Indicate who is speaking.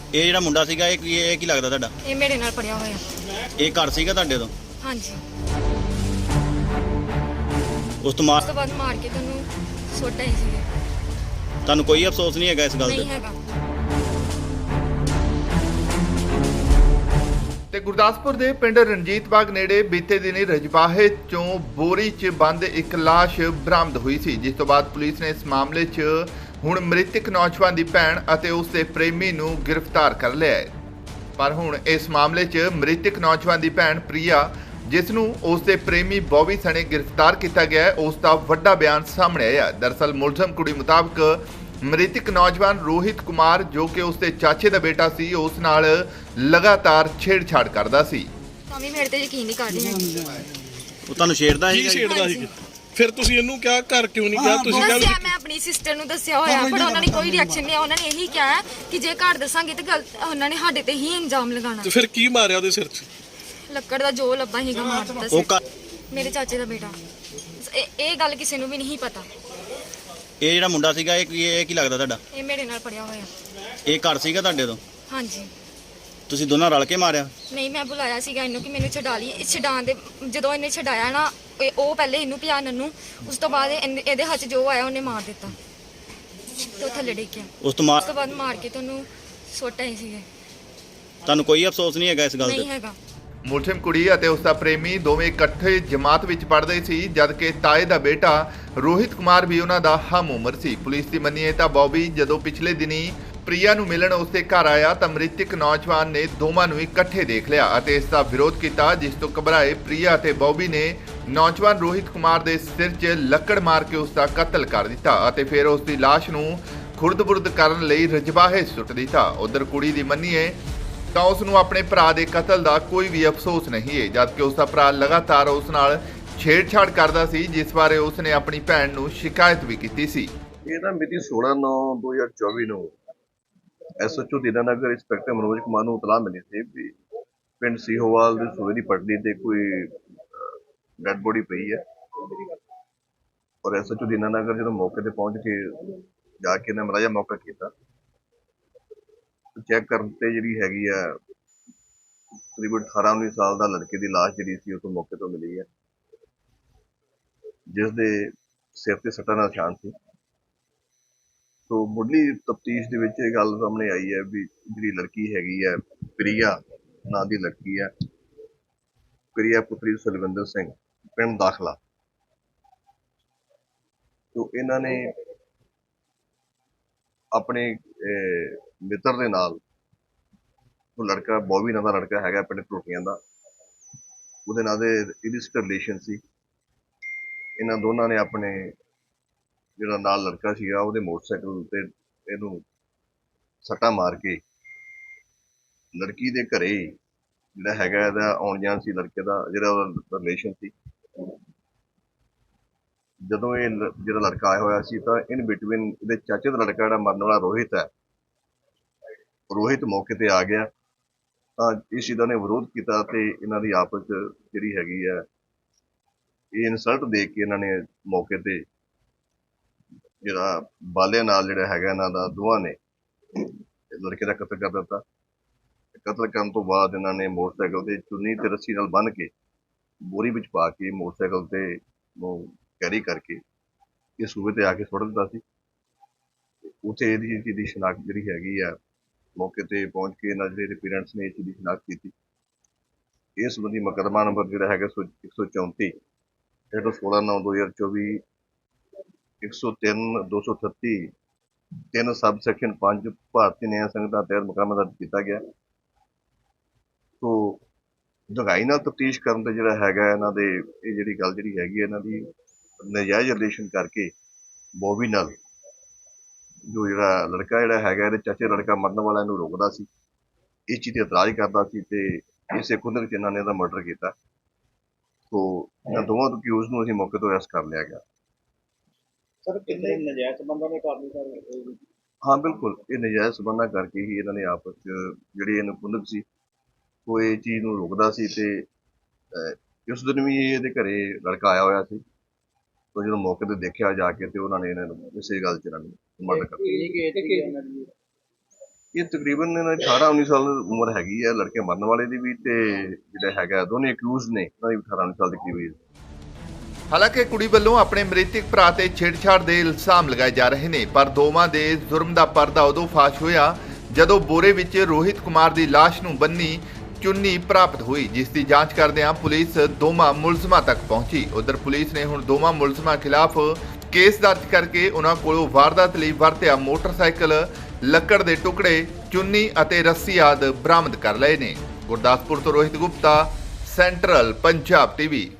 Speaker 1: ਇਹ ਜਿਹੜਾ ਮੁੰਡਾ ਸੀਗਾ ਇਹ ਕੀ ਲੱਗਦਾ ਤੁਹਾਡਾ?
Speaker 2: ਇਹ ਮੇਰੇ ਨਾਲ ਪੜਿਆ ਹੋਇਆ।
Speaker 1: ਇਹ ਘਰ ਸੀਗਾ ਤੁਹਾਡੇ ਤੋਂ?
Speaker 2: ਹਾਂਜੀ।
Speaker 1: ਉਸ ਤੋਂ
Speaker 2: ਉਸ ਤੋਂ ਬਾਅਦ ਮਾਰ ਕੇ ਤੈਨੂੰ ਸੁੱਟ ਆਏ ਸੀਗੇ।
Speaker 1: ਤੁਹਾਨੂੰ ਕੋਈ ਅਫਸੋਸ ਨਹੀਂ ਹੈਗਾ ਇਸ ਗੱਲ
Speaker 2: ਨਹੀਂ
Speaker 1: ਤੇ?
Speaker 2: ਹੈਗਾ।
Speaker 3: ਤੇ ਗੁਰਦਾਸਪੁਰ ਦੇ ਪਿੰਡ ਰਣਜੀਤ ਬਾਗ ਨੇੜੇ ਬੀਤੇ ਦਿਨੀ ਰਜਬਾਹੇ ਚੋਂ ਬੋਰੀ 'ਚ ਬੰਦ ਇੱਕ ਲਾਸ਼ ਬਰਾਮਦ ਹੋਈ ਸੀ, ਜਿਸ ਤੋਂ ਬਾਅਦ ਪੁਲਿਸ ਨੇ ਇਸ ਮਾਮਲੇ 'ਚ ਹੁਣ ਮ੍ਰਿਤਕ ਨੌਜਵਾਨ ਦੀ ਭੈਣ ਅਤੇ ਉਸ ਦੇ ਪ੍ਰੇਮੀ ਨੂੰ ਗ੍ਰਿਫਤਾਰ ਕਰ ਲਿਆ ਹੈ। ਪਰ ਹੁਣ ਇਸ ਮਾਮਲੇ 'ਚ ਮ੍ਰਿਤਕ ਨੌਜਵਾਨ ਦੀ ਭੈਣ ਪ੍ਰਿਆ, ਜਿਸ ਨੂੰ ਉਸ ਦੇ ਪ੍ਰੇਮੀ ਬੌਬੀ ਸਣੇ ਗ੍ਰਿਫਤਾਰ ਕੀਤਾ ਗਿਆ ਹੈ, ਉਸ ਦਾ ਵੱਡਾ ਬਿਆਨ ਸਾਹਮਣੇ ਆਇਆ। ਦਰਅਸਲ ਮੁਲਜ਼ਮ ਕੁੜੀ ਮੁਤਾਬਕ ਮ੍ਰਿਤਕ ਨੌਜਵਾਨ ਰੋਹਿਤ ਕੁਮਾਰ, ਜੋ ਕਿ ਉਸ ਦੇ ਚਾਚੇ ਦਾ ਬੇਟਾ ਸੀ, ਉਸ ਨਾਲ ਲਗਾਤਾਰ ਛੇੜਛਾੜ ਕਰਦਾ ਸੀ।
Speaker 2: ਤਾਂ ਵੀ ਮੇਰੇ ਤੇ ਯਕੀਨ ਨਹੀਂ ਕਰ ਰਹੀ ਹੈਗੀ।
Speaker 1: ਉਹ ਤੁਹਾਨੂੰ ਛੇੜਦਾ
Speaker 4: ਕੀ
Speaker 1: ਸੀਗਾ?
Speaker 4: ਛੇੜਦਾ ਸੀ? ਫਿਰ ਤੁਸੀਂ ਇਹਨੂੰ ਕਿਹਾ ਘਰ ਕਿਉਂ ਨਹੀਂ ਗਿਆ? ਤੁਸੀਂ ਕਿਹਾ
Speaker 2: ਦੱਸਿਆ, ਮੈਂ ਆਪਣੀ ਸਿਸਟਰ ਨੂੰ ਦੱਸਿਆ ਹੋਇਆ, ਪਰ ਉਹਨਾਂ ਨੇ ਕੋਈ ਰਿਐਕਸ਼ਨ ਨਹੀਂ। ਉਹਨਾਂ ਨੇ ਇਹੀ ਕਿਹਾ ਕਿ ਜੇ ਘਰ ਦੱਸਾਂਗੇ ਤੇ ਗਲਤ ਉਹਨਾਂ ਨੇ ਸਾਡੇ ਤੇ ਹੀ ਇਲਜ਼ਾਮ ਲਗਾਉਣਾ।
Speaker 4: ਤੇ ਫਿਰ ਕੀ ਮਾਰਿਆ ਉਹਦੇ ਸਿਰ 'ਚ?
Speaker 2: ਲੱਕੜ ਦਾ ਜੋ ਲੱਭਾ ਹੀਗਾ ਮਾਰ ਦਿੱਤਾ
Speaker 1: ਉਹ
Speaker 2: ਸੀ। ਮੇਰੇ ਚਾਚੇ ਦਾ ਬੇਟਾ। ਇਹ ਗੱਲ ਕਿਸੇ ਨੂੰ ਵੀ ਨਹੀਂ ਪਤਾ।
Speaker 1: ਇਹ ਜਿਹੜਾ ਮੁੰਡਾ ਸੀਗਾ ਇਹ ਕੀ ਲੱਗਦਾ ਤੁਹਾਡਾ?
Speaker 2: ਇਹ ਮੇਰੇ ਨਾਲ ਪੜਿਆ ਹੋਇਆ।
Speaker 1: ਇਹ ਘਰ ਸੀਗਾ ਤੁਹਾਡੇ ਤੋਂ?
Speaker 2: ਹਾਂਜੀ।
Speaker 1: ਤੁਸੀਂ ਦੋਨਾਂ ਰਲ ਕੇ ਮਾਰਿਆ?
Speaker 2: ਨਹੀਂ, ਮੈਂ ਬੁਲਾਇਆ ਸੀਗਾ ਇਹਨੂੰ ਕਿ ਮੈਨੂੰ ਛਡਾ ਲਈ। ਛਡਾਉਣ ਦੇ ਜਦੋਂ ਇਹਨੇ ਛਡਾਇਆ ਨਾ, ਉਹ ਪਹਿਲੇ ਇਹਨੂੰ ਪਿਆ ਨੰਨੂ, ਉਸ ਤੋਂ ਬਾਅਦ ਇਹਦੇ ਹੱਥ ਜੋ ਆਇਆ ਉਹਨੇ ਮਾਰ ਦਿੱਤਾ ਤੇ ਉਹ ਥੱਲੇ ਡਿੱਗਿਆ।
Speaker 1: ਉਸ ਤੋਂ
Speaker 2: ਬਾਅਦ ਮਾਰ ਕੇ ਤੈਨੂੰ ਸੁੱਟ ਆਏ ਸੀਗੇ।
Speaker 1: ਤੁਹਾਨੂੰ ਕੋਈ ਅਫਸੋਸ ਨਹੀਂ ਹੈਗਾ ਇਸ ਗੱਲ
Speaker 2: ਨਹੀਂ
Speaker 1: ਤੇ?
Speaker 2: ਹੈਗਾ।
Speaker 3: ਮੁਲਜ਼ਮ ਕੁੜੀ ਅਤੇ ਉਸ ਦਾ ਪ੍ਰੇਮੀ ਦੋਵੇਂ ਇਕੱਠੇ ਜਮਾਤ ਵਿੱਚ ਪੜ੍ਹਦੇ ਸੀ, ਜਦਕਿ ਤਾਏ ਦਾ ਬੇਟਾ ਰੋਹਿਤ ਕੁਮਾਰ ਵੀ ਉਹਨਾਂ ਦਾ ਹਮ ਉਮਰ ਸੀ। ਪੁਲਿਸ ਦੀ ਮੰਨੀਏ ਤਾਂ ਬੌਬੀ ਜਦੋਂ ਪਿਛਲੇ ਦਿਨੀ ਪ੍ਰਿਆ ਨੂੰ ਮਿਲਣ ਉਸ ਦੇ ਘਰ ਆਇਆ ਤਾਂ ਮ੍ਰਿਤਕ ਨੌਜਵਾਨ ਨੇ ਦੋਵਾਂ ਨੂੰ ਇਕੱਠੇ ਦੇਖ ਲਿਆ ਅਤੇ ਇਸ ਦਾ ਵਿਰੋਧ ਕੀਤਾ, ਜਿਸ ਤੋਂ ਘਬਰਾਏ ਪ੍ਰਿਆ ਅਤੇ ਬੌਬੀ ਨੇ ਨੌਜਵਾਨ ਰੋਹਿਤ ਕੁਮਾਰ ਦੇ ਸਿਰ 'ਚ ਲੱਕੜ ਮਾਰ ਕੇ ਉਸ ਦਾ ਕਤਲ ਕਰ ਦਿੱਤਾ ਅਤੇ ਫਿਰ ਉਸ ਦੀ ਲਾਸ਼ ਨੂੰ ਖੁਰਦ-ਬੁਰਦ ਕਰਨ ਲਈ ਰਜਬਾਹੇ ਸੁੱਟ ਦਿੱਤਾ। ਉਧਰ ਕੁੜੀ ਦੀ ਮੰਨੀਏ ਤਾਂ ਉਸ ਨੂੰ ਆਪਣੇ ਭਰਾ ਦੇ ਕਤਲ ਦਾ ਕੋਈ ਵੀ ਅਫਸੋਸ ਨਹੀਂ ਹੈ, ਜਦਕਿ ਉਸ ਦਾ ਭਰਾ ਲਗਾਤਾਰ ਉਸ ਨਾਲ ਛੇੜਛਾੜ ਕਰਦਾ ਸੀ, ਜਿਸ ਬਾਰੇ ਉਸ ਨੇ ਆਪਣੀ ਭੈਣ ਨੂੰ ਸ਼ਿਕਾਇਤ ਵੀ ਕੀਤੀ ਸੀ।
Speaker 5: ਇਹ ਨਾ ਮਿਤੀ 16/9/2024 ਨੂੰ ਐਸਐਚਓ ਦੀਨਾਨਗਰ ਇੰਸਪੈਕਟਰ ਮਨੋਜ ਕੁਮਾਰ ਨੂੰ ਇਤਲਾਹ ਮਿਲੀ ਸੀ ਵੀ ਪਿੰਡ ਸੀਹੋਵਾਲ ਦੀ ਸੂਏ ਦੀ ਪਟੜੀ ਤੇ ਕੋਈ ਡੈਡ ਬੋਡੀ ਪਈ ਹੈ, ਔਰ ਐਸਐਚਓ ਦੀਨਾਨਗਰ ਜਦੋਂ ਮੌਕੇ ਤੇ ਪਹੁੰਚ ਕੇ ਜਾ ਕੇ ਇਹਨਾਂ ਮਲਾਜਾ ਮੌਕਾ ਕੀਤਾ, ਚੈੱਕ ਕਰਨ ਤੇ ਜਿਹੜੀ ਹੈਗੀ ਆ ਤਕਰੀਬਨ 18-19 ਸਾਲ ਦਾ ਲੜਕੇ ਦੀ ਲਾਸ਼ ਜਿਹੜੀ ਸੀ ਉਹ ਤੋਂ ਮੌਕੇ ਤੋਂ ਮਿਲੀ ਹੈ, ਜਿਸ ਦੇ ਸਿਰ ਤੇ ਸੱਟਾਂ ਦਾ ਨਿਸ਼ਾਨ ਸੀ। ਸੋ ਮੁੱਢਲੀ ਤਫਤੀਸ਼ ਦੇ ਵਿੱਚ ਇਹ ਗੱਲ ਸਾਹਮਣੇ ਆਈ ਹੈ ਵੀ ਜਿਹੜੀ ਲੜਕੀ ਹੈਗੀ ਹੈ ਪ੍ਰਿਆ ਨਾਂ ਦੀ ਲੜਕੀ ਹੈ, ਪ੍ਰਿਆ ਪੁੱਤਰੀ ਸੁਲਵਿੰਦਰ ਸਿੰਘ, ਪਿੰਡ ਦਾਖਲਾ। ਸੋ ਇਹਨਾਂ ਨੇ ਆਪਣੇ ਮਿੱਤਰ ਦੇ ਨਾਲ, ਉਹ ਲੜਕਾ ਬੌਬੀ ਨਾਂ ਦਾ ਲੜਕਾ ਹੈਗਾ ਪਿੰਡ ਟੋਟੀਆਂ ਦਾ, ਉਹਦੇ ਨਾਲ ਦੇ ਇਲਿਸਟ ਰਿਲੇਸ਼ਨ ਸੀ। ਇਹਨਾਂ ਦੋਨਾਂ ਨੇ ਆਪਣੇ ਜਿਹੜਾ ਨਾਲ ਲੜਕਾ ਸੀਗਾ ਉਹਦੇ ਮੋਟਰਸਾਈਕਲ ਤੇ ਇਹਨੂੰ ਸੱਟਾ ਮਾਰ ਕੇ ਲੜਕੀ ਦੇ ਘਰੇ ਜਿਹੜਾ ਹੈਗਾ ਇਹਦਾ ਆਉਣ ਜਾਣ ਸੀ, ਲੜਕੇ ਦਾ ਜਿਹੜਾ ਉਹਦਾ ਰਿਲੇਸ਼ਨ ਸੀ। ਜਦੋਂ ਇਹ ਜਿਹੜਾ ਲੜਕਾ ਆਇਆ ਹੋਇਆ ਸੀ ਤਾਂ ਇਨ ਬਿਟਵੀਨ ਇਹਦੇ ਚਾਚੇ ਦਾ ਲੜਕਾ ਜਿਹੜਾ ਮਰਨ ਵਾਲਾ ਰੋਹਿਤ ਹੈ, ਰੋਹਿਤ ਮੌਕੇ ਤੇ ਆ ਗਿਆ ਤਾਂ ਇਸ ਚੀਜ਼ ਦਾ ਨੇ ਵਿਰੋਧ ਕੀਤਾ ਤੇ ਇਹਨਾਂ ਦੀ ਆਪਸ ਜਿਹੜੀ ਹੈਗੀ ਹੈ ਇਹ ਇਨਸਲਟ ਦੇ ਕੇ ਇਹਨਾਂ ਨੇ ਮੌਕੇ ਤੇ ਜਿਹੜਾ ਬਾਲੇ ਨਾਲ ਜਿਹੜਾ ਹੈਗਾ ਇਹਨਾਂ ਦਾ ਦੋਵਾਂ ਨੇ ਲੜਕੇ ਦਾ ਕਤਲ ਕਰ ਦਿੱਤਾ। ਕਤਲ ਕਰਨ ਤੋਂ ਬਾਅਦ ਇਹਨਾਂ ਨੇ ਮੋਟਰਸਾਈਕਲ ਤੇ ਚੁੰਨੀ ਤੇ ਰੱਸੀ ਨਾਲ ਬੰਨ੍ਹ ਕੇ ਬੋਰੀ ਵਿੱਚ ਪਾ ਕੇ ਮੋਟਰਸਾਈਕਲ ਤੇ ਕੈਰੀ ਕਰਕੇ ਇਹ ਸੂਬੇ ਤੇ ਆ ਕੇ ਸੁੱਟ ਦਿੱਤਾ ਸੀ। ਉੱਥੇ ਇਹਦੀ ਚੀਜ਼ ਦੀ ਸ਼ਨਾਖਤ ਜਿਹੜੀ ਹੈਗੀ ਆ ਮੌਕੇ ਤੇ ਪਹੁੰਚ ਕੇ ਇਹਨਾਂ ਜਿਹੜੇ ਪੇਰੈਂਟਸ ਨੇ ਇਸ ਚੀਜ਼ ਦੀ ਸ਼ਨਾਖਤ ਕੀਤੀ। ਇਸ ਸੰਬੰਧੀ ਮੁਕੱਦਮਾ ਨੰਬਰ ਜਿਹੜਾ ਹੈਗਾ 134 ਹੇਠੋਂ 16/9/2024 103/238 3 ਸਬ ਸੈਕਸ਼ਨ 5 ਭਾਰਤੀ ਨਿਆਂ ਸੰਹਿਤਾ ਤਹਿਤ ਮੁਕੱਦਮਾ ਦਰਜ ਕੀਤਾ ਗਿਆ। ਸੋ ਡੂੰਘਾਈ ਨਾਲ ਤਫਤੀਸ਼ ਕਰਨ ਤੇ ਜਿਹੜਾ ਹੈਗਾ ਇਹਨਾਂ ਦੇ ਇਹ ਜਿਹੜੀ ਗੱਲ ਜਿਹੜੀ ਹੈਗੀ ਇਹਨਾਂ ਦੀ ਨਜਾਇਜ਼ ਰਿਲੇਸ਼ਨ ਕਰਕੇ ਬੌਬੀ ਨਾਲ ਜੋ ਜਿਹੜਾ ਲੜਕਾ ਜਿਹੜਾ ਹੈਗਾ ਇਹਦੇ ਚਾਚੇ ਲੜਕਾ ਮਰਨ ਵਾਲਾ ਇਹਨੂੰ ਰੋਕਦਾ ਸੀ, ਇਸ ਚੀਜ਼ ਤੇ ਇਤਰਾਜ਼ ਕਰਦਾ ਸੀ ਤੇ ਇਸੇ ਕੁੰਦਕ ਚ ਇਹਨਾਂ ਨੇ ਇਹਦਾ ਮਰਡਰ ਕੀਤਾ। ਸੋ ਇਹਨਾਂ ਦੋਵਾਂ ਅਕਿਊਜ਼ ਨੂੰ ਅਸੀਂ ਮੌਕੇ ਤੋਂ ਅਰੈਸਟ ਕਰ ਲਿਆ ਗਿਆ।
Speaker 6: ਸਰ ਕਿੰਨੇ ਨਜਾਇਜ਼ ਸੰਬੰਧਾਂ ਦੇ ਕਾਰਨ ਸਰ?
Speaker 5: ਹਾਂ ਬਿਲਕੁਲ, ਇਹ ਨਜਾਇਜ਼ ਸੰਬੰਧਾਂ ਕਰਕੇ ਹੀ ਇਹਨਾਂ ਨੇ ਆਪਸ ਚ ਜਿਹੜੀ ਇਹਨੂੰ ਕੁੰਦਕ ਸੀ ਉਹ ਇਹ ਚੀਜ਼ ਨੂੰ ਰੋਕਦਾ ਸੀ ਤੇ ਉਸ ਦਿਨ ਵੀ ਇਹਦੇ ਘਰੇ ਲੜਕਾ ਆਇਆ ਹੋਇਆ ਸੀ। तो जो मौके पर देखा जाके तो उन्होंने इसे गल च मर्डर कर ਇਹ ਤਕਰੀਬਨ ਇਹਨਾਂ ਦੀ 18-19 ਸਾਲ ਉਮਰ ਹੈਗੀ ਹੈ, ਲੜਕੇ ਮਰਨ ਵਾਲੇ ਦੀ ਵੀ ਤੇ ਜਿਹੜਾ ਹੈਗਾ ਦੋਨੇ ਅਕਿਊਜ਼ ਨੇ ਉਹਨਾਂ ਦੀ 18-19 ਸਾਲ ਦੀ ਕਰੀਬ ਏਜ।
Speaker 3: ਹਾਲਾਂਕਿ ਕੁੜੀ ਵੱਲੋਂ ਆਪਣੇ ਮ੍ਰਿਤਕ ਭਰਾ ਤੇ ਛੇੜਛਾੜ ਦੇ ਇਲਜ਼ਾਮ ਲਗਾਏ ਜਾ ਰਹੇ ਨੇ, ਪਰ ਦੋਵਾਂ ਦੇ ਜ਼ੁਰਮ ਦਾ ਪਰਦਾ ਉਦੋਂ ਫਾਸ਼ ਹੋਇਆ ਜਦੋਂ ਬੋਰੇ ਵਿੱਚ ਰੋਹਿਤ ਕੁਮਾਰ ਦੀ ਲਾਸ਼ ਨੂੰ ਬੰਨੀ ਚੁੰਨੀ ਪ੍ਰਾਪਤ ਹੋਈ, ਜਿਸ ਦੀ ਜਾਂਚ ਕਰਦਿਆਂ ਪੁਲਿਸ ਦੋਵਾਂ ਮੁਲਜ਼ਮਾਂ ਤੱਕ ਪਹੁੰਚੀ। ਉਧਰ ਪੁਲਿਸ ਨੇ ਹੁਣ ਦੋਵਾਂ ਮੁਲਜ਼ਮਾਂ ਖਿਲਾਫ ਕੇਸ ਦਰਜ ਕਰਕੇ ਉਹਨਾਂ ਕੋਲੋਂ ਵਾਰਦਾਤ ਲਈ ਵਰਤਿਆ ਮੋਟਰਸਾਈਕਲ, ਲੱਕੜ ਦੇ ਟੁਕੜੇ, ਚੁੰਨੀ ਅਤੇ ਰੱਸੀ ਆਦਿ ਬਰਾਮਦ ਕਰ ਲਏ ਨੇ। ਗੁਰਦਾਸਪੁਰ ਤੋਂ ਰੋਹਿਤ ਗੁਪਤਾ, ਸੈਂਟਰਲ ਪੰਜਾਬ ਟੀਵੀ।